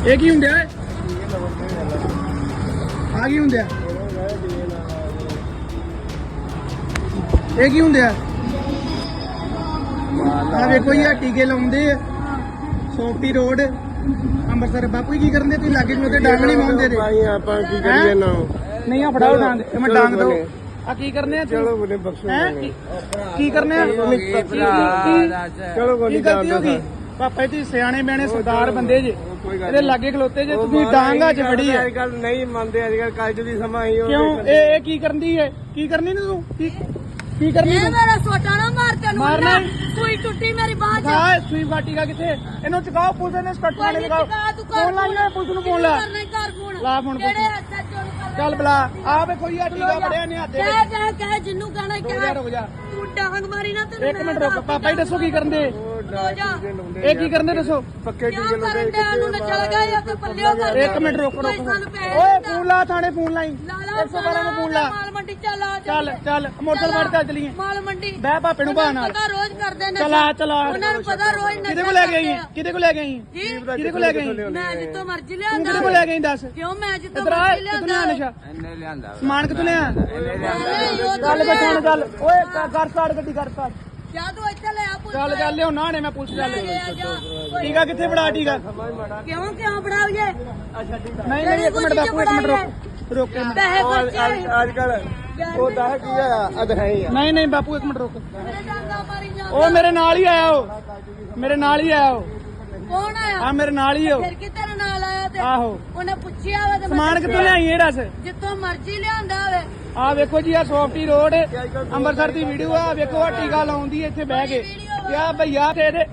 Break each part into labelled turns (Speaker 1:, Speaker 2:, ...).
Speaker 1: ਇਹ ਕੀ ਹੁੰਦਾ ਹੈ? ਆ ਕੀ ਹੁੰਦਾ? ਇਹ ਕੀ ਹੁੰਦਾ? ਆ ਵੇਖੋ ਜੀ, ਆ ਟੀਕੇ ਲਾਉਂਦੇ ਆ ਸੋਫਟੀ ਰੋਡ ਅੰਮ੍ਰਿਤਸਰ। ਬਾਪੂ ਜੀ ਕੀ ਕਰਨ ਦੇ? ਤੁਸੀਂ ਲਾਗੇ ਨੂੰ ਤੇ ਡਾਂਗ ਨਹੀਂ ਮਾਉਂਦੇ ਤੇ
Speaker 2: ਆਪਾਂ ਕੀ ਕਰੀਏ ਨਾ?
Speaker 1: ਨਹੀਂ ਆ ਫੜਾਓ ਡਾਂਗ, ਮੈਂ ਡਾਂਗ ਦੋ। ਆ ਕੀ ਕਰਨੇ ਆ?
Speaker 2: ਚਲੋ ਬੋਲੇ ਬਖਸ਼ੋ
Speaker 1: ਕੀ ਕਰਨੇ ਆ?
Speaker 2: ਚਲੋ
Speaker 1: ਕੀ ਗਲਤੀ ਹੋ ਗਈ? ਪਾਪਾ ਜੀ ਸਿਆਣੇ ਬਿਆਣੇ ਸਰਦਾਰ ਬੰਦੇ ਜੇ, ਇਹਦੇ ਲਾਗੇ ਖਲੋਤੇ ਜੇ, ਤੁਸੀਂ ਡਾਂਗਾ ਚ ਫੜੀ ਹੈ।
Speaker 2: ਅੱਜ ਕੱਲ ਨਹੀਂ ਮੰਨਦੇ, ਅੱਜ ਕੱਲ ਕੱਜ ਦੀ ਸਮਾਂ ਹੀ ਹੋ।
Speaker 1: ਕਿਉਂ ਇਹ ਕੀ ਕਰਨਦੀ ਹੈ? ਕੀ ਕਰਨੀ ਨੀ ਤੂੰ? ਕੀ ਕਰਨੀ
Speaker 3: ਇਹ ਮੇਰਾ ਸੋਟਾ ਨਾ ਮਾਰ ਤੈਨੂੰ
Speaker 1: ਮਾਰਨਾ
Speaker 3: ਸੂਈ ਟੁੱਟੀ ਮੇਰੀ ਬਾਹ ਚ।
Speaker 1: ਹਾਂ ਸੂਈ ਬਾਟੀ ਕਾ ਕਿੱਥੇ? ਇਹਨੂੰ ਚਕਾਓ, ਪੁਲਿਸ ਨੇ ਸਟੱਟ ਵਾਲੇ ਲਗਾਓ। ਫੋਨ ਲਾਈਏ ਪੁਲਿਸ ਨੂੰ, ਫੋਨ ਲਾ
Speaker 3: ਘਰ ਫੋਨ
Speaker 1: ਲਾ ਫੋਨ
Speaker 3: ਜਿਹੜੇ ਅੱਛਾ ਚੋਰ
Speaker 1: ਚੱਲ ਬਲਾ। ਆ ਵੇਖੋ ਜੀ, ਆ ਟੀਕਾ ਬੜਿਆ ਨੇ ਹੱਥੇ।
Speaker 3: ਕਹਿ ਜਿੰਨੂੰ ਕਹਿਣਾ ਕਹਿ।
Speaker 1: ਰੁਕ ਜਾ
Speaker 3: ਤੂੰ ਡਾਂਗ ਮਾਰੀ ਨਾ ਤੈਨੂੰ।
Speaker 1: ਇੱਕ ਮਿੰਟ ਰੁਕ। ਪਾਪਾ ਜੀ ਦੱਸੋ ਕੀ ਕਰਨ ਦੇ?
Speaker 3: ਰੋ ਜਾ।
Speaker 1: ਇਹ ਕੀ ਕਰਨ ਦੇ ਦੱਸੋ?
Speaker 2: ਪੱਕੇ
Speaker 3: ਕਿਉਂ
Speaker 2: ਟੀਕੇ
Speaker 3: ਕਰਨ ਡਿਆ ਨੂੰ ਨਾ ਚਲ ਗਏ ਜਾਂ ਤੇ ਪੱਲਿਓ ਕਰ।
Speaker 1: ਇੱਕ ਮਿੰਟ ਰੁਕ। ਓਏ ਫੋਨ ਲਾ, ਥਾਣੇ ਫੋਨ ਲਾਈ। 112 ਨੂੰ ਫੋਨ ਲਾ।
Speaker 3: ਮਾਲ ਮੰਡੀ ਚੱਲ ਆ
Speaker 1: ਚੱਲ ਮੋਟਰਸਾਈਕਲ ਫੜ ਕੇ ਚਲੀਏ।
Speaker 3: ਮਾਲ ਮੰਡੀ
Speaker 1: ਬਹਿ ਭਾਪੇ ਨੂੰ ਬਾਹ ਨਾਲ।
Speaker 3: ਪਤਾ ਰੋਜ਼ ਕਰਦੇ ਨੇ।
Speaker 1: ਚਲਾ
Speaker 3: ਉਹਨਾਂ ਨੂੰ ਪਤਾ ਰੋਜ਼ ਨਸ਼ਾ
Speaker 1: ਕਿਹਦੇ ਕੋ ਲੈ ਗਈ? ਕਿਹਦੇ ਕੋ ਲੈ ਗਈ?
Speaker 3: ਜੀ
Speaker 1: ਕਿਹਦੇ ਕੋ ਲੈ ਗਈ?
Speaker 3: ਮੈਂ ਜਿੱਤੋਂ ਮਰਜ਼ੀ
Speaker 1: ਤੂੰ
Speaker 3: ਲਿਆਂਦਾ।
Speaker 1: ਕਿਹਦੇ ਕੋ ਲੈ ਗਈ ਦੱਸ?
Speaker 3: ਕਿਉਂ ਮੈਂ ਜਿੱਤੋਂ
Speaker 1: ਇਧਰ ਆ,
Speaker 3: ਮਰਜ਼ੀ
Speaker 1: ਕਿੱਥੋਂ
Speaker 3: ਲਿਆਂਦਾ।
Speaker 1: ਲਿਆ ਨਸ਼ਾ?
Speaker 4: ਇਹਨੇ ਲਿਆਂਦਾ
Speaker 1: ਸਮਾਨ ਕਿੱਥੋਂ ਲਿਆ? ਚੱਲ ਬਚਾਣ ਚੱਲ। ਓਏ ਕਰ ਸਟਾਰਟ ਗੱਡੀ, ਕਰ ਸਟਾਰਟ।
Speaker 3: ਜਾ ਤੂੰ ਇੱਥੇ ਲੈ ਆ ਪੁੱਤ।
Speaker 1: ਚੱਲ ਲਿਓ ਨਾ ਨੇ, ਮੈਂ ਪੁਲਿਸ ਚੱਲ।
Speaker 3: ਜਾ।
Speaker 1: ਟੀਕਾ ਕਿੱਥੇ ਫੜਾ? ਟੀਕਾ
Speaker 3: ਕਿਉਂ ਫੜਾਈਏ?
Speaker 1: ਨਹੀਂ ਇੱਕ ਮਿੰਟ ਬਾਪੂ, ਇੱਕ ਮਿੰਟ ਰੁਕ ਕੇ।
Speaker 3: ਪੈਸੇ ਖਰਚੇ
Speaker 2: ਅੱਜ ਕੱਲ ਉਹ ਦਾਹ ਕੀ ਆ? ਅਧ ਹੈ ਹੀ ਆ।
Speaker 1: ਨਹੀਂ ਬਾਪੂ, ਇੱਕ ਮਿੰਟ ਰੁਕ।
Speaker 3: ਮੇਰੇ ਡਾਂਗਾ ਮਾਰੀ ਜਾਂਦਾ।
Speaker 1: ਉਹ ਮੇਰੇ ਨਾਲ ਹੀ ਆਇਆ। ਮੇਰੇ ਨਾਲ ਹੀ ਆਇਆ।
Speaker 3: ਕੌਣ ਆਇਆ?
Speaker 1: ਆ ਮੇਰੇ ਨਾਲ ਹੀ।
Speaker 3: ਫਿਰ ਕਿ ਤੇਰੇ ਨਾਲ ਆਇਆ ਤੇ
Speaker 1: ਆਹੋ।
Speaker 3: ਉਹਨੇ ਪੁੱਛਿਆ ਵਾ ਤੇ
Speaker 1: ਸਮਾਨ ਕਿੱਥੋਂ ਲਿਆਈ ਇਹ ਦੱਸ?
Speaker 3: ਜਿੱਥੋਂ ਮਰਜ਼ੀ ਲਿਆਂਦਾ ਹੋਵੇ।
Speaker 1: ਆ ਵੇਖੋ ਜੀ, ਆ ਸੌਫਟੀ ਰੋਡ ਅੰਮ੍ਰਿਤਸਰ ਦੀ ਵੀਡੀਓ ਆ। ਵੇਖੋ ਆ ਟੀਕਾ ਲਾਉਂਦੀ ਇੱਥੇ ਬਹਿ ਕੇ। ਆ ਭਈਆ ਤੇ ਇਹਦੇ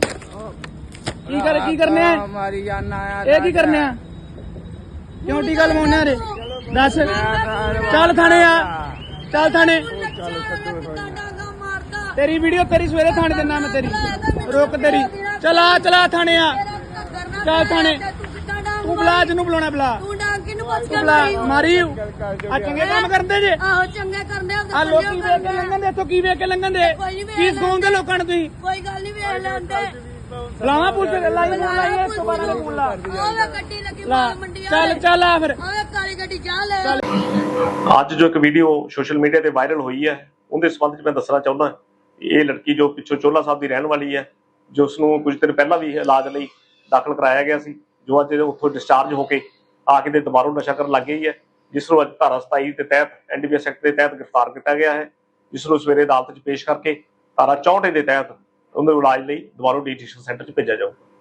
Speaker 1: ਕੀ ਕਰਨੇ ਆ?
Speaker 4: ਮਾਰੀ ਜਾਨਾ ਆ।
Speaker 1: ਇਹ ਕੀ ਕਰਨੇ ਆ? ਕਿਉਂ ਟੀਕਾ ਲਵਾਉਣੇ ਆ ਰੇ? ਦੱਸ। ਚੱਲ ਥਾਣੇ ਆ, ਚੱਲ ਥਾਣੇ।
Speaker 3: ਕਿੱਦਾਂ ਡਾਂਗਾ ਮਾਰਦਾ?
Speaker 1: ਤੇਰੀ ਵੀਡੀਓ ਤੇਰੀ ਸਵੇਰੇ ਥਾਣੇ ਦਿੰਦਾ ਮੈਂ ਤੇਰੀ। ਰੁਕ ਤੇਰੀ। ਚਲਾ ਥਾਣੇ ਆ। ਚੱਲ ਥਾਣੇ। ਤੂੰ ਬੁਲਾ ਜਿਹਨੂੰ ਬੁਲਾਉਣਾ ਬੁਲਾ।
Speaker 3: ਤੂੰ ਡਾਂਗ ਕਿਨੂੰ ਪੁੱਛ
Speaker 1: ਤੂੰ
Speaker 3: ਕੇ
Speaker 1: ਬੁਲਾ। ਮਾਰੀ ਆ ਚੰਗੇ ਕੰਮ ਕਰਦੇ ਜੇ।
Speaker 3: ਆਹੋ ਚੰਗੇ ਕਰਦੇ ਆ।
Speaker 1: ਆ ਲੋਕੀ ਵੇਖ ਕੇ ਲੰਘਣ ਦੇ ਇੱਥੋਂ। ਕੀ ਵੇਖ ਕੇ ਲੰਘਣ ਦੇ? ਕੀ ਸਿਖਾਉਂਦੇ ਲੋਕਾਂ ਨੂੰ ਤੁਸੀਂ?
Speaker 3: ਕੋਈ ਗੱਲ ਨਹੀਂ ਵੇਖ ਲੈਂਦੇ।
Speaker 1: ਲਾਵਾ ਪੁਲਿਸ ਲਾਈ ਫੋਨ ਲਾਈ 112 ਦਾ ਫੋਨ ਲਾ।
Speaker 3: ਆਵੇ ਗੱਡੀ ਲੱਗੀ ਮਾਲ ਮੰਡੀ
Speaker 1: ਚੱਲ ਆ ਫਿਰ।
Speaker 3: ਆਵੇ ਕਾਲੀ ਗੱਡੀ ਜਾ ਲੈ।
Speaker 5: ਅੱਜ ਜੋ ਇੱਕ ਵੀਡੀਓ ਸੋਸ਼ਲ ਮੀਡੀਆ ਤੇ ਵਾਇਰਲ ਹੋਈ ਹੈ, ਉਹਦੇ ਸੰਬੰਧ ਵਿੱਚ ਮੈਂ ਦੱਸਣਾ ਚਾਹੁੰਦਾ। ਇਹ ਲੜਕੀ ਜੋ ਪਿੱਛੋਂ ਚੋਲਾ ਸਾਹਿਬ ਦੀ ਰਹਿਣ ਵਾਲੀ ਹੈ, ਜੋ ਉਸਨੂੰ ਕੁਝ ਦਿਨ ਪਹਿਲਾਂ ਵੀ ਇਲਾਜ ਲਈ ਦਾਖਲ ਕਰਾਇਆ ਗਿਆ ਸੀ, ਜੋ ਅੱਜ ਉੱਥੋਂ ਡਿਸਚਾਰਜ ਹੋ ਕੇ ਆ ਕੇ ਦੁਬਾਰਾ ਨਸ਼ਾ ਕਰਨ ਲੱਗ ਗਈ ਹੈ, ਜਿਸ ਨੂੰ ਅੱਜ ਧਾਰਾ 27 ਦੇ ਤਹਿਤ NDPS ਐਕਟ ਦੇ ਤਹਿਤ ਗ੍ਰਿਫਤਾਰ ਕੀਤਾ ਗਿਆ ਹੈ, ਜਿਸ ਨੂੰ ਸਵੇਰੇ ਅਦਾਲਤ 'ਚ ਪੇਸ਼ ਕਰਕੇ ਧਾਰਾ 64 ਦੇ ਤਹਿਤ ਉਹਦੇ ਇਲਾਜ ਲਈ ਦੁਬਾਰਾ ਡੀਟੀਸ਼ਨ ਸੈਂਟਰ 'ਚ ਭੇਜਿਆ ਜਾਊਗਾ।